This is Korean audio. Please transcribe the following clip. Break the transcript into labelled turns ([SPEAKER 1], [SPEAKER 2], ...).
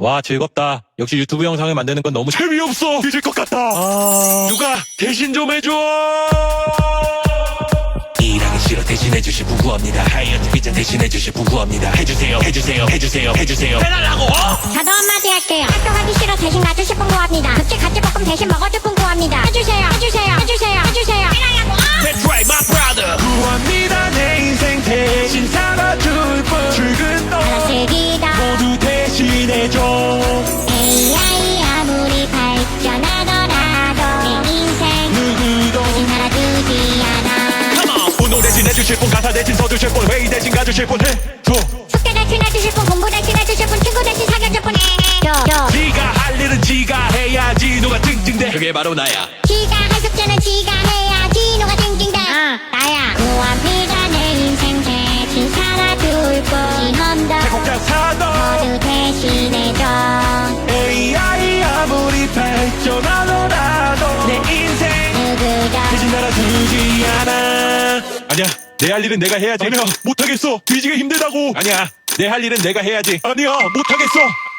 [SPEAKER 1] 와, 즐겁다. 역시 유튜브 영상을 만드는 건 너무
[SPEAKER 2] 재미없어. 잊을 것 같다. 누가 대신 좀 해줘.
[SPEAKER 3] 일하기 싫어 대신해주실 분 구합니다. 하이어트 피자 대신해주실 분 구합니다. 해주세요 해주세요 해주세요 해주세요 해달라고.
[SPEAKER 4] 저도 한마디 할게요. 학교 가기 싫어 대신 가주실 분 구합니다. 급식 가지볶음 대신 먹어줄 분 구합니다. 해주세요 해주세요 해주세요 해주세요 해달라고.
[SPEAKER 3] That's right my brother.
[SPEAKER 2] 구합니다. 내 인생 대신 살아줄 분. 출근도
[SPEAKER 4] 받아쓰기다
[SPEAKER 2] 모두 대신해줘.
[SPEAKER 4] AI 아무리 발전하더라도 내 인생
[SPEAKER 2] 누구도
[SPEAKER 4] 대신 살아주지 않아.
[SPEAKER 3] Come on.
[SPEAKER 2] 운동 대신 해주실 분, 가사 대신 써주실 분, 회의 대신 가주실 분 해줘.
[SPEAKER 4] 숙제 대신 해주실 분, 공부 대신 해주실 분, 친구 대신 사귀어줄 분 해줘.
[SPEAKER 2] 지가 할 일은 지가 해야지. 누가 찡찡대.
[SPEAKER 3] 그게 바로 나야.
[SPEAKER 4] 지가 할 숙제는 지가 해야지. 누가 찡찡대. 나야. 구합니다. 내 인생 대신 살아줄 분. 지험도
[SPEAKER 2] 곡자 사도
[SPEAKER 4] 모두 대신해줘.
[SPEAKER 2] AI 아무리 발전하더라도 내 인생
[SPEAKER 4] 누구도
[SPEAKER 2] 대신 살아주지 않아. 아니야, 내 할 일은 내가 해야지. 아니야, 못하겠어. 뒤지게 힘들다고.
[SPEAKER 1] 아니야. 내 할 일은 내가 해야지.
[SPEAKER 2] 아니야, 못하겠어.